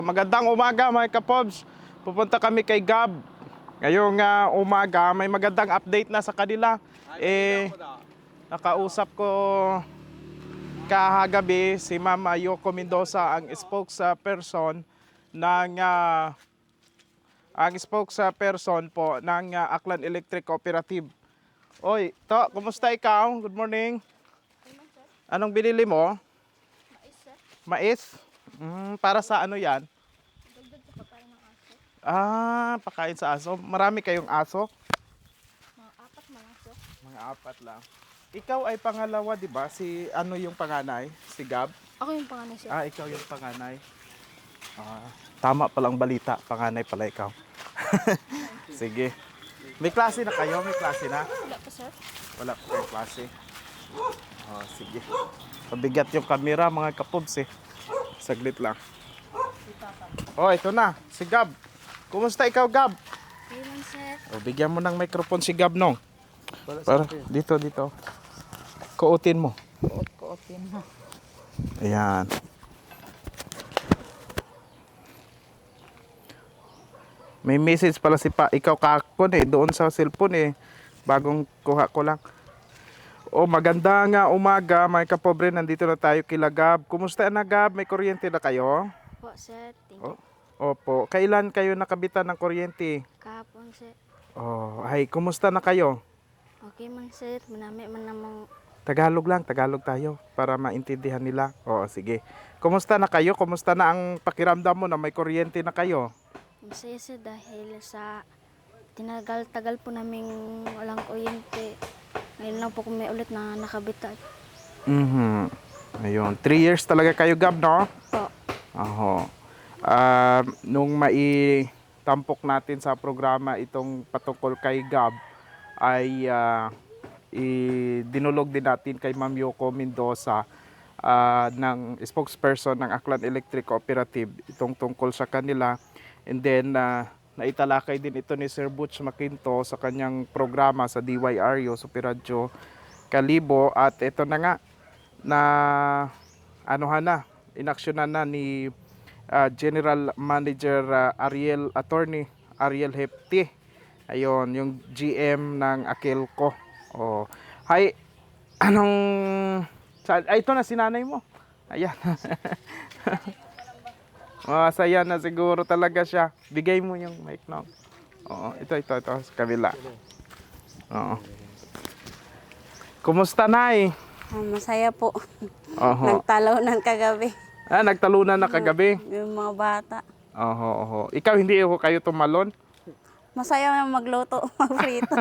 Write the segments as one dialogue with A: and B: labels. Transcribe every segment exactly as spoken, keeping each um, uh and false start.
A: Magandang umaga mga kapobs. Pupunta kami kay Gab. Ngayong uh, umaga may magandang update na sa kanila. Eh, nakausap ko kahagabi si Ma'am Yoko Mendoza, ang spokesperson ng uh, ang spokesperson po ng uh, Aklan Electric Cooperative. Oy, to, kumusta ikaw? Good morning. Anong binili mo?
B: Mais, sir.
A: Mais? Mm, para sa ano yan?
B: Dagdag sa pagkain ng aso.
A: Ah, pakain sa aso. Marami kayong aso?
B: Mga apat mga aso.
A: Mga apat lang. Ikaw ay pangalawa, di ba? Si ano yung panganay? Si Gab?
B: Ako yung panganay, sir.
A: Ah, ikaw yung panganay. Ah, tama palang balita. Panganay pala ikaw. Sige. May klase na kayo? May klase na?
B: Wala pa, sir.
A: Wala pa kayong klase. Oh, sige. Pabigat yung camera, mga kapobs eh. Saglit lang. Oh, ito na. Si Gab. Kumusta ikaw, Gab?
B: Ayun, sir.
A: O, bigyan mo ng microphone si Gab, nong. Para, dito, dito. Kuotin mo.
B: Kuot-kuotin mo.
A: Ayan. May message pala si pa. Ikaw kakon eh. Doon sa cellphone eh. Bagong kuha ko lang. O, maganda nga umaga, mga kapobre. Nandito na tayo kila Gab. Kumusta na, Gab? May kuryente na kayo?
B: Po, sir. Thank
A: O,
B: you.
A: opo. Kailan kayo nakabitan ng kuryente?
B: Kahapon, sir.
A: Oh, ay, kumusta na kayo?
B: Okay man, sir. Manami man namang
A: Tagalog lang, Tagalog tayo para maintindihan nila. Oo, sige. Kumusta na kayo? Kumusta na ang pakiramdam mo na may kuryente na kayo?
B: masaya, sir, dahil sa tinagal-tagal po naming walang kuryente. Ngayon lang po kami ulit na nakabitan.
A: Mhm. Ayun, three years talaga kayo, Gab, no?
B: Po.
A: Oho. Ah, nung maitampok natin sa programa itong patungkol kay Gab, ay ah, idinulog din natin kay Ma'am Yoko Mendoza, ah, ng spokesperson ng Aklan Electric Cooperative, itong tungkol sa kanila. And then, ah, naitalakay din ito ni Sir Butch Maquinto sa kanyang programa sa D Y R U, Super Radio Kalibo. At ito na nga, na anuhan na, inaksyonan na ni ah, General Manager ah, Ariel Attorney Ariel Hepti. Ayun, yung G M ng Akilco. Oh. Hi, anong sa, ay, ito na si nanay mo. Ayan. Masaya na siguro talaga siya. Bigay mo yung mic, no? Oo, ito, ito, ito, sa kabila. Oo. Kumusta, Nay?
C: Ah, masaya po.
A: Oho.
C: Nagtalaw ng kagabi.
A: Ah, nagtalunan na kagabi.
C: Yung mga bata.
A: Oho, oho. Ikaw, hindi ako kayo tumalon?
C: Masaya na magluto, magprito.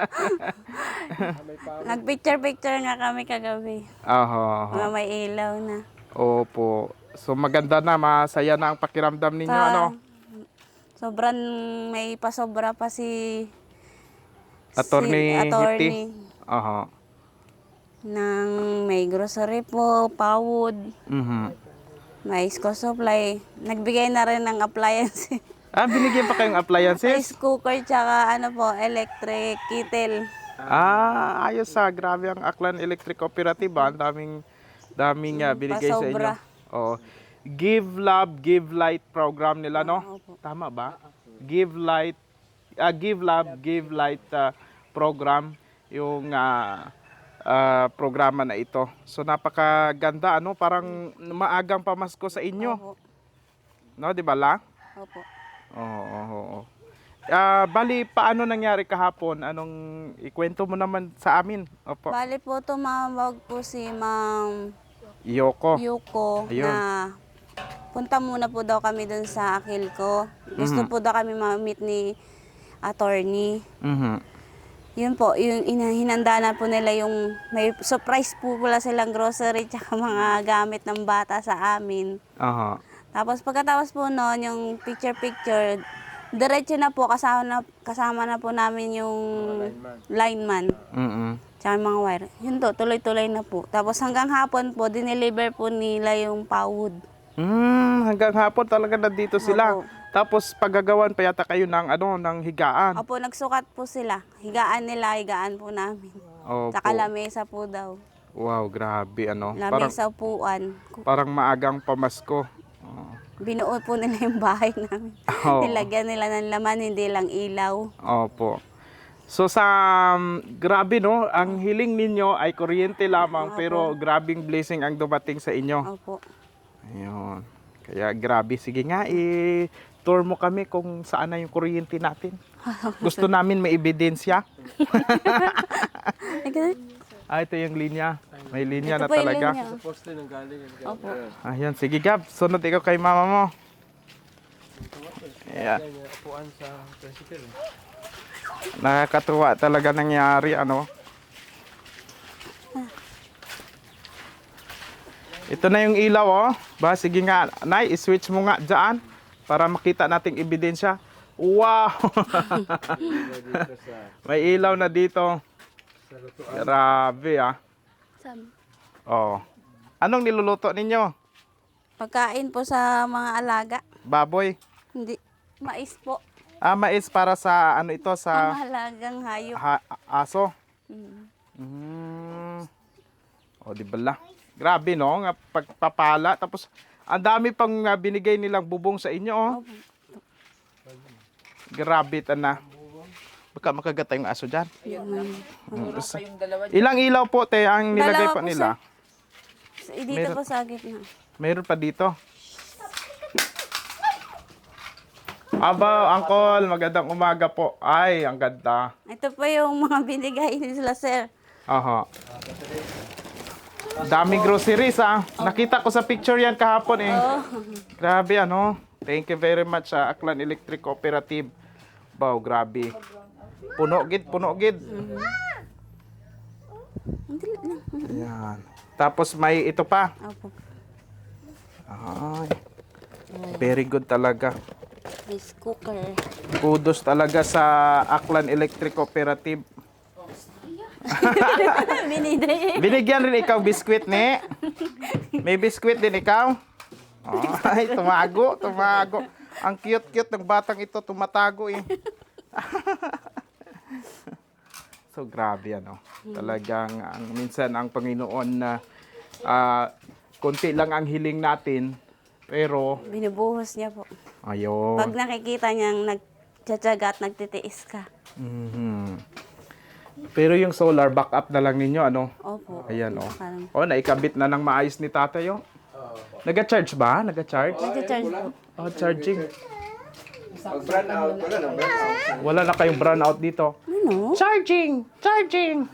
C: Nagpicture-picture nga kami kagabi.
A: Oho, oho.
C: Mga may ilaw na.
A: Opo. So, maganda na, masaya na ang pakiramdam ninyo,
C: Sa-
A: ano?
C: Sobrang may pasobra pa si
A: Attorney
C: si attorney
A: Oho.
C: ng may grocery po, pawod,
A: Mhm.
C: may school supply. Nagbigay na rin ng appliance.
A: Ah, binigyan pa kayong appliances?
C: Rice cooker tsaka ano po, electric kettle.
A: Ah, ayos sa grabe ang Aklan Electric Cooperative, ah. Ang daming daming ah, binigay sa inyo.
C: pasobra.
A: Oh. Give Love, Give Light program nila, no?
C: Opo.
A: Tama ba? Give Light, ah, Give Love, Give Light ah, program yung ah, ah, programa na ito. So napakaganda, ano? Parang maagang pamasko sa inyo,
C: Opo.
A: no? Di ba la?
C: Opo.
A: Oo, oo, oo. Ah, bali, paano nangyari kahapon? Anong ikwento mo naman sa amin? Opo.
C: Bali po tumawag po si Ma'am
A: Yoko.
C: Yuko
A: Ayun.
C: na punta muna po daw kami dun sa Akilco. Gusto
A: Mhm.
C: po daw kami ma-meet ni attorney.
A: Mhm.
C: Yun po, yung ina- hinanda na po nila yung may surprise po pala silang grocery tsaka mga gamit ng bata sa amin.
A: Aha.
C: Tapos pagkatapos po noon, yung picture-picture, diretso na po, kasama na, kasama na po namin yung lineman.
A: Mhm.
C: Tsaka yung mga wire. Yun to, tuloy-tuloy na po. Tapos hanggang hapon po, dineliver po nila yung pawod.
A: Hmm, hanggang hapon talaga nandito sila.
C: Opo.
A: Tapos paggagawan pa yata kayo ng ano, ng higaan.
C: Opo, nagsukat po sila. Higaan nila, higaan po namin.
A: Opo.
C: Tsaka lamesa po daw.
A: Wow, grabe ano. Parang
C: Lamesa upuan.
A: parang maagang pamasko. Oh.
C: Binuo po nila yung bahay namin.
A: Oo.
C: Nilagyan nila ng laman, hindi lang ilaw.
A: Opo. So sa um, grabe no, ang hiling ninyo ay kuryente lamang
C: Opo.
A: pero grabing blessing ang dumating sa inyo.
C: Opo.
A: Ayun. Kaya grabe, sige nga i-tour mo kami kung saan na yung kuryente natin. Gusto namin may ebidensya.
C: Ay, ganun.
A: Ah, ito yung linya. May linya na
C: Ito po yung
A: talaga.
C: linya. Opo.
A: Ayan, sige Gab, sunod ikaw kay mama mo. Yeah. Nakakatuwa talaga nangyari, ano. Ito na yung ilaw, oh. Ba, sige nga, Nay, i-switch mo nga dyan para makita nating ebidensya. Wow! May ilaw na dito. Grabe, ah.
C: Sam-
A: Oh. Anong niluluto ninyo?
C: Pagkain po sa mga alaga.
A: Baboy?
C: Hindi. Mais po.
A: Ah, mais para sa ano ito
C: Ang
A: sa
C: mahalagang hayop.
A: ha- aso.
C: Mm.
A: Mm. O, di bala. Grabe no, nga pagpapala tapos ang dami pang ah, binigay nilang bubong sa inyo, oh.
C: Opo.
A: Grabe na. Baka makagat yung aso diyan.
C: Mm.
A: Ilang ilaw po te ang nilagay
C: Dalawa
A: pa
C: po,
A: nila?
C: So, dito
A: Meron-
C: po sa gitna.
A: Mayroon pa dito. Aba, Uncle, magandang umaga po. Ay, ang ganda.
C: Ito po yung mga binigay nila, sir.
A: Aha. Daming groceries ah. Nakita ko sa picture yan kahapon eh.
C: Oh.
A: Grabe ano. Thank you very much sa Aklan Electric Cooperative. Wow, grabe. Puno gid, puno gid.
C: Hindi lang.
A: Ayan. Tapos may ito pa.
C: Opo.
A: Ay. Very good talaga.
C: Rice cooker.
A: Kudos talaga sa Aklan Electric Cooperative.
C: Binigay.
A: Binigyan rin ikaw biskwit ni. May biskwit din ikaw. Ay, tumago, tumago. Ang cute-cute ng batang ito, tumatago eh. So grabe ano. Talagang ang minsan ang Panginoon na ah, konti lang ang hiling natin pero
C: Binubuhos niya po.
A: ayun.
C: Pag nakikita niyang nagtsatsaga at nagtitiis ka.
A: Mhm. Pero yung solar backup na lang ninyo ano.
C: Opo.
A: Ayan oh.
C: Parang
A: Oh, naikabit na ng maayos ni tatay oh. Naga-charge ba? Naga-charge?
C: nagcha-charge po.
A: Oh, charging.
D: Pag brand out, wala na brand out.
A: Wala na kayong brownout dito.
C: Ano?
A: Charging! Charging!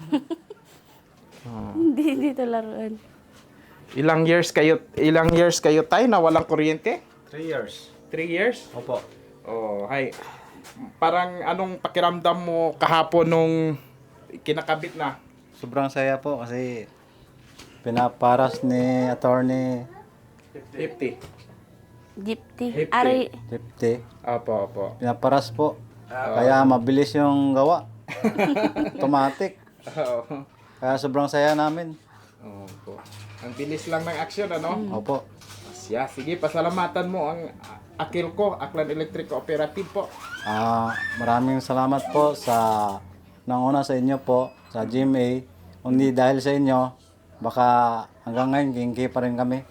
C: Hindi dito laruan.
A: Ilang years kayo, ilang years kayo tayo na walang kuryente?
D: Three years.
A: Three years?
D: Opo.
A: Oh, hay. Parang anong pakiramdam mo kahapon nung kinakabit na?
D: Sobrang saya po kasi pinaparas ni attorney
A: fifty.
C: Gypty.
A: Hipty.
C: Ari.
D: Dipte.
A: Apo, apo.
D: Pinaparas po. Kaya mabilis yung gawa. Automatic.
A: Oo.
D: Kaya sobrang saya namin.
A: Opo. Ang bilis lang ng aksyon, ano?
D: Opo.
A: Siya, sige, pasalamatan mo ang akil ko, Aklan Electric Cooperative po.
D: Ah, maraming salamat po sa nanguna sa inyo po, sa G M A. Hindi dahil sa inyo, baka hanggang ngayon kingki pa rin kami.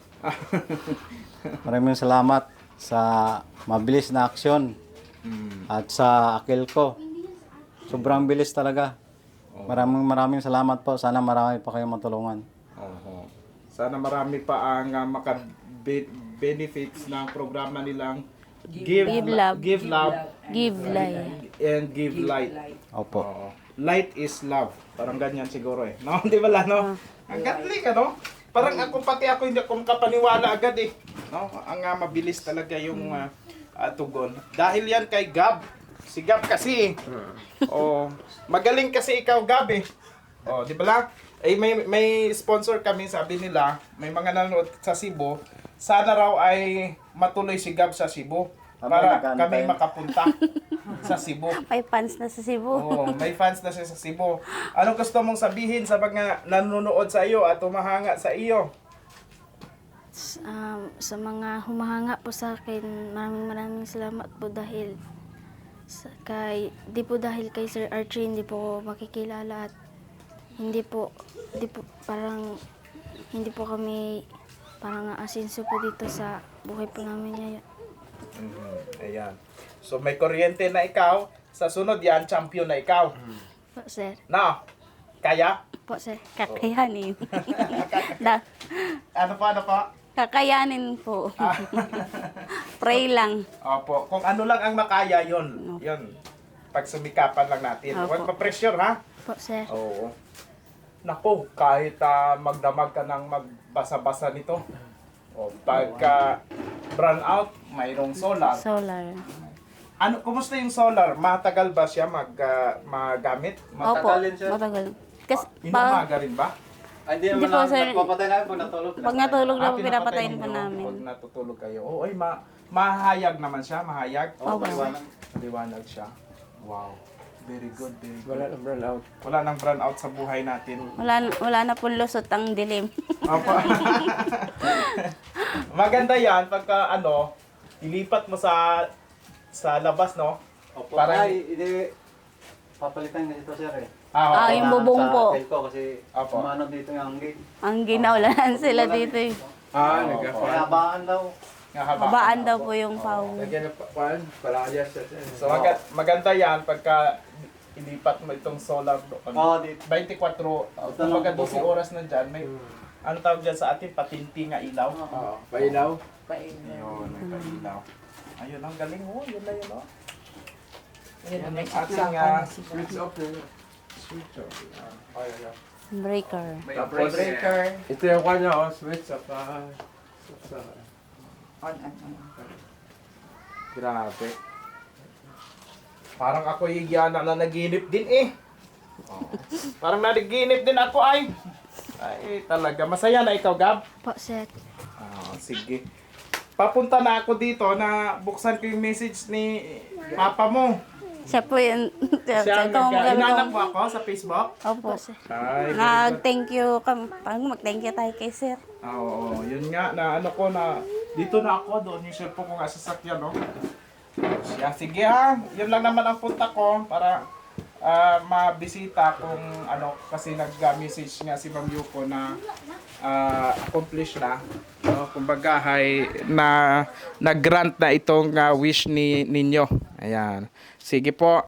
D: Maraming salamat sa mabilis na aksyon at sa akil ko. Sobrang bilis talaga. Maraming maraming salamat po. Sana marami pa kayong matulungan.
A: Oho. Sana marami pa ang uh, maka-benefits ng programa nilang Give,
C: Give Love.
A: Give Love
C: Give life.
A: and Give Light.
D: Opo.
A: Oo. Light is love. Parang ganyan siguro eh. No, di ba la, no? Ang gatling, ano? Parang ako pati ako hindi ako makapaniwala agad eh. No? Ang uh, mabilis talaga yung uh, uh, tugon. Dahil yan kay Gab. Si Gab kasi. Oh, magaling kasi ikaw, Gab eh. Oh, di ba la? Eh may may sponsor kami, sabi nila, may mga nanonood sa Cebu. Sana raw ay matuloy si Gab sa Cebu para
D: nagkano
A: kami
D: tayo?
A: makapunta sa Cebu.
C: May fans na sa Cebu.
A: Oo, may fans na siya sa Cebu. Ano gusto mong sabihin sa mga nanonood sa iyo at humahanga sa iyo?
B: S- um, sa mga humahanga po sa akin, maraming maraming salamat po dahil sa, kay, di po dahil kay Sir Archie, hindi po ako makikilala at hindi po, hindi po parang, hindi po kami parang asinso po dito sa buhay po namin ngayon.
A: Mhm, ayan. So may kuryente na ikaw, sa sunod yan, champion na ikaw.
B: Po, sir.
A: Na, kaya?
B: Po, sir.
C: Kakayanin. da,
A: Ano pa, ano pa?
C: kakayanin po. Pray lang.
A: Opo, kung ano lang ang makaya, yon yon pagsumikapan lang natin.
C: Opo.
A: Huwag pa-pressure, ha?
B: Po, sir.
A: Oo. Nako, kahit ah, magdamag ka ng magbasa-basa nito, o pagka brown out, mayroong solar.
B: Solar.
A: Ano, kumusta yung solar? Matagal ba siya mag, ah, magamit?
C: Opo,
D: Matagalin, sir.
C: matagal. Kasi
A: Inumaga
C: pa,
A: Inumaga rin ba?
D: Ay, di
C: Hindi
D: naman
C: po,
D: na,
C: sir.
D: nagpapatay na pag natulog.
C: pag natulog na
A: Ah,
C: po, pinapatayin po
A: ninyo
C: namin.
A: Pag natutulog kayo. Oo, ay, ma mahayag naman siya, mahayag.
D: Oo,
C: Opo.
D: maliwanag.
A: Maliwanag siya. Wow. Very good, very good.
E: Wala nang burn out.
A: Wala nang brown out sa buhay natin.
C: Wala, wala na pong lusot ang dilim.
A: Opo. Maganda yan pagka ano, ilipat mo sa sa labas, no?
D: Opo.
A: Parang-
D: Ay, hindi. Papalitan na ito, sir eh.
C: Ah,
A: oo.
C: yung bubong
D: sa
C: po.
D: tail ko kasi
A: Opo.
D: umano dito yung gate.
C: Ang ginawlaan sila dito eh.
E: Ah,
A: Oo,
E: nagka
D: Kaya habaan daw.
A: Nga, haba.
C: Habaan daw po yung pawis.
E: Lagyan ng pa- pan, palayas siya.
A: So maga- maganda yan pagka ilipat mo itong solar doon.
D: Oo, dito.
A: twenty-four, uh, kumbaga twelve oras na dyan, may, ano tawag dyan sa atin, patinti nga ilaw.
E: Oo, painaw.
A: Ayun, may pailaw. Ayun, ang galing mo, yun na yun, oh. Ayun, ang ating, uh,
E: Switch off yun. Switch off. Ah, ayun na.
C: Breaker.
E: Tapos, ito yung kanya, oh, switch sa pa. Sa,
A: grabe. Parang ako yung na naginip din eh. Oh. Parang nanaginip din ako ay. Ay, talaga. Masaya na ikaw, Gab?
B: Po, sir.
A: Ah, sige. Papunta na ako dito na buksan ko yung message ni Papa mo.
C: Siya po yun. Siya,
A: Siya ang
C: ito ang
A: nagka-
C: gagawin
A: inanap
C: ko.
A: mo ako sa Facebook.
C: Opo.
B: Po, sir.
A: Ay,
C: Nag-thank you kami. Parang mag-thank you tayo kay sir.
A: Ah, oo, yun nga na ano ko na dito na ako doon yung cellphone ko nga sa sakyan, no. Siya, sige ha. Yun lang naman ang punta ko para ah, mabisita kung ano kasi nag-message nga si Ma'am Yuko na ah, accomplish na. No, kumbaga hay na nag-grant na itong ah, wish ni ninyo. Ayan. Sige po.